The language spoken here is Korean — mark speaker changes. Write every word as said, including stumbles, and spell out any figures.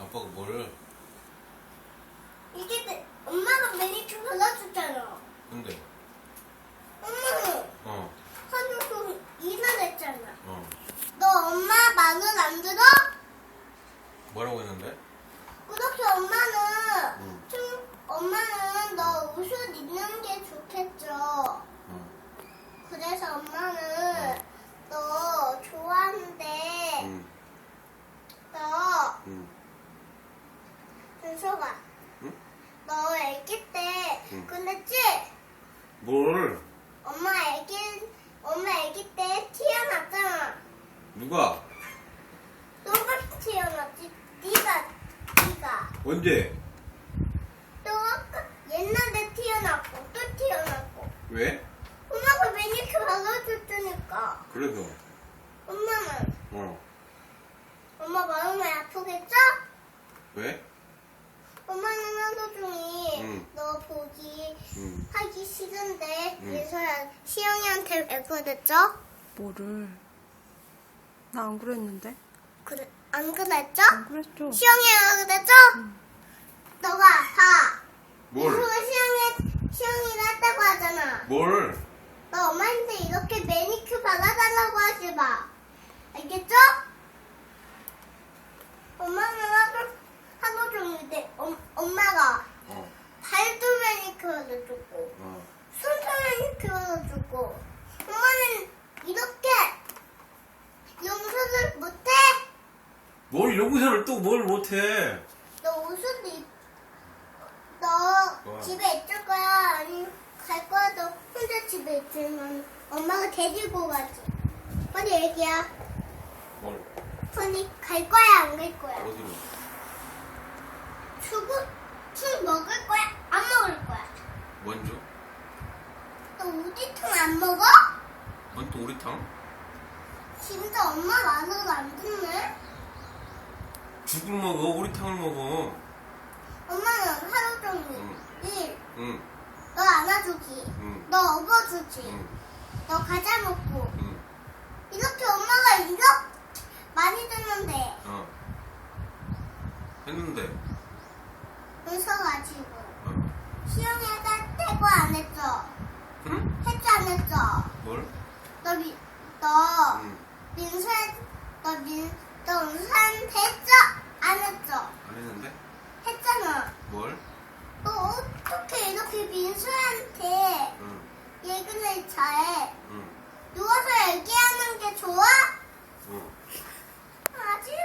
Speaker 1: 아빠가 뭘?
Speaker 2: 이게 내, 엄마가 매니큐어 발라줬잖아.
Speaker 1: 근데
Speaker 2: 엄마는
Speaker 1: 어
Speaker 2: 한우도 일을 했잖아.
Speaker 1: 어.
Speaker 2: 너 엄마 말은 안 들어?
Speaker 1: 뭐라고 했는데?
Speaker 2: 그렇게 엄마는
Speaker 1: 응.
Speaker 2: 좀 엄마는 너 옷을 입는 게 좋겠죠.
Speaker 1: 응.
Speaker 2: 그래서 엄마는 너 좋아하는데
Speaker 1: 응.
Speaker 2: 너
Speaker 1: 응.
Speaker 2: 준서가
Speaker 1: 응?
Speaker 2: 너 아기 때
Speaker 1: 응.
Speaker 2: 그랬지?
Speaker 1: 뭘?
Speaker 2: 엄마 아기 엄마 아기 때 태어났잖아.
Speaker 1: 누가?
Speaker 2: 너가 태어났지? 네가 네가
Speaker 1: 언제?
Speaker 2: 너가 옛날에 태어났고 또 태어났고
Speaker 1: 왜?
Speaker 2: 엄마가 매니큐어 발라줬으니까.
Speaker 1: 그래서
Speaker 2: 엄마는
Speaker 1: 어
Speaker 2: 엄마 마음이 아프겠죠?
Speaker 1: 왜?
Speaker 2: 엄마는 하루 종일
Speaker 1: 응.
Speaker 2: 너 보기
Speaker 1: 응.
Speaker 2: 하기 싫은데
Speaker 1: 응.
Speaker 2: 그래서 시영이한테 왜 그랬죠?
Speaker 3: 뭐를? 나 안 그랬는데?
Speaker 2: 그래, 안 그랬죠?
Speaker 3: 안 그랬죠?
Speaker 2: 시영이가 그랬죠? 너가 다
Speaker 1: 뭘?
Speaker 2: 그래서 시영이 시영이가 했다고 하잖아.
Speaker 1: 뭘?
Speaker 2: 너 엄마한테 이렇게 매니큐어 발라달라고 하지 마. 알겠죠? 엄마는 하루, 하루 종일 내, 엄, 엄마가
Speaker 1: 어.
Speaker 2: 발도 매니큐어를 줬고,
Speaker 1: 어.
Speaker 2: 손도 매니큐어를 줬고, 엄마는 이렇게 용서를 못해?
Speaker 1: 뭘 용서를 또 뭘 못해?
Speaker 2: 너 옷을 입, 너
Speaker 1: 와.
Speaker 2: 집에 있을 거야? 아니면 갈 거야? 너 혼자 집에 있으면 엄마가 데리고 가지. 빨리 얘기야.
Speaker 1: 뭘?
Speaker 2: 언니 갈 거야? 안 갈 거야?
Speaker 1: 어디로?
Speaker 2: 수고, 술 먹을 거야? 안 먹을 거야?
Speaker 1: 먼저?
Speaker 2: 너 우지통 안 먹어?
Speaker 1: 뭔 또 우리탕?
Speaker 2: 진짜 엄마 말을 안 듣네?
Speaker 1: 죽을 먹어 우리탕을 먹어.
Speaker 2: 엄마는 하루 종일
Speaker 1: 응.
Speaker 2: 일,
Speaker 1: 응.
Speaker 2: 너 안아주기,
Speaker 1: 응.
Speaker 2: 너 업어주기,
Speaker 1: 응.
Speaker 2: 너 과자 먹고
Speaker 1: 응.
Speaker 2: 이렇게 엄마가 이렇게 많이 줬는데
Speaker 1: 어. 했는데.
Speaker 2: 웃어가지고
Speaker 1: 어.
Speaker 2: 시영이가 태고 안 했어?
Speaker 1: 응?
Speaker 2: 했지 안 했어?
Speaker 1: 뭘?
Speaker 2: 너, 미, 너
Speaker 1: 응.
Speaker 2: 민수한 너 민, 너 은수한테 했죠?